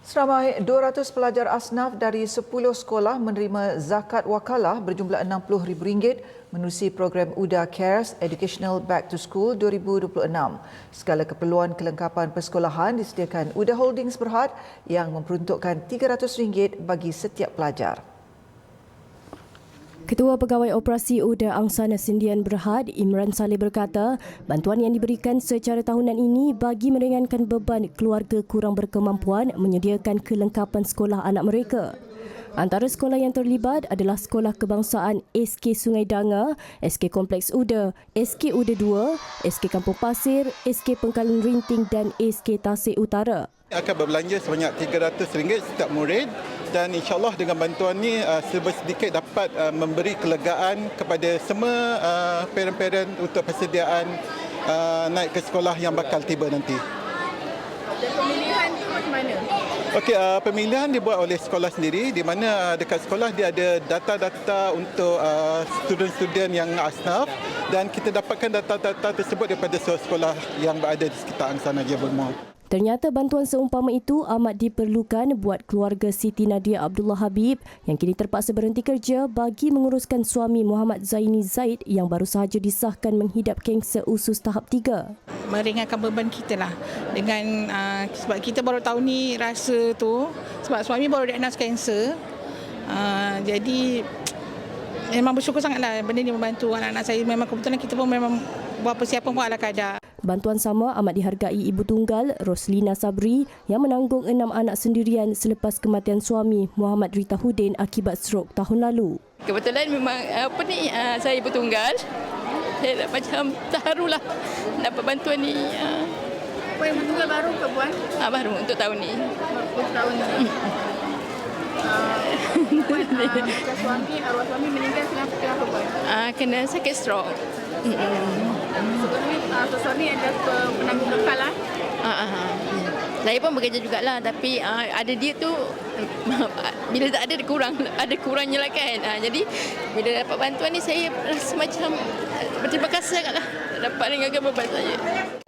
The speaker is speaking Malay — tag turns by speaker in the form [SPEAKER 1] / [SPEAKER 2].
[SPEAKER 1] Seramai 200 pelajar asnaf dari 10 sekolah menerima zakat wakalah berjumlah RM60,000 menerusi program UDA Cares Educational Back to School 2026. Segala keperluan kelengkapan persekolahan disediakan UDA Holdings Berhad yang memperuntukkan RM300 bagi setiap pelajar.
[SPEAKER 2] Ketua Pegawai Operasi UDA Angsana Sindian Berhad, Imran Saleh berkata, bantuan yang diberikan secara tahunan ini bagi meringankan beban keluarga kurang berkemampuan menyediakan kelengkapan sekolah anak mereka. Antara sekolah yang terlibat adalah Sekolah Kebangsaan SK Sungai Danga, SK Kompleks UDA, SK UDA 2, SK Kampung Pasir, SK Pengkalan Rinting dan SK Tasik Utara.
[SPEAKER 3] Akan berbelanja sebanyak RM300 setiap murid dan insyaAllah dengan bantuan ini sedikit dapat memberi kelegaan kepada semua parent-parent untuk persediaan naik ke sekolah yang bakal tiba nanti.
[SPEAKER 4] Dan pemilihan itu macam mana?
[SPEAKER 3] Okey, pemilihan dibuat oleh sekolah sendiri di mana dekat sekolah dia ada data-data untuk student-student yang asnaf dan kita dapatkan data-data tersebut daripada sekolah yang berada di sekitar Angsana Jabal Mall.
[SPEAKER 2] Ternyata bantuan seumpama itu amat diperlukan buat keluarga Siti Nadia Abdullah Habib yang kini terpaksa berhenti kerja bagi menguruskan suami Muhammad Zaini Zaid yang baru sahaja disahkan menghidap kanser usus tahap 3.
[SPEAKER 4] Meringankan beban kita lah dengan sebab kita baru tahu ni rasa tu sebab suami baru diagnos kanser. Jadi memang bersyukur sangatlah benda ni membantu anak-anak saya. Memang kebetulan kita pun memang buat persiapan pun ala kadar.
[SPEAKER 2] Bantuan sama amat dihargai ibu tunggal Roslina Sabri yang menanggung 6 anak sendirian selepas kematian suami Muhammad Rita Hudin akibat strok tahun lalu.
[SPEAKER 5] Kebetulan memang saya ibu tunggal. Saya macam terharulah dapat bantuan ni.
[SPEAKER 4] Puan ibu tunggal baru ke Puan?
[SPEAKER 5] Baru untuk tahun ni.
[SPEAKER 4] Untuk tahun ni. Bukan suami, arwah suami meninggal kenapa Puan?
[SPEAKER 5] Kena sakit strok.
[SPEAKER 4] So suami ada penanggung bekal lah.
[SPEAKER 5] Saya pun bekerja jugalah tapi ada dia tu bila tak ada kurangnya lah kan. Jadi bila dapat bantuan ni saya rasa macam berterima kasih sangatlah dapat ringankan beban saya.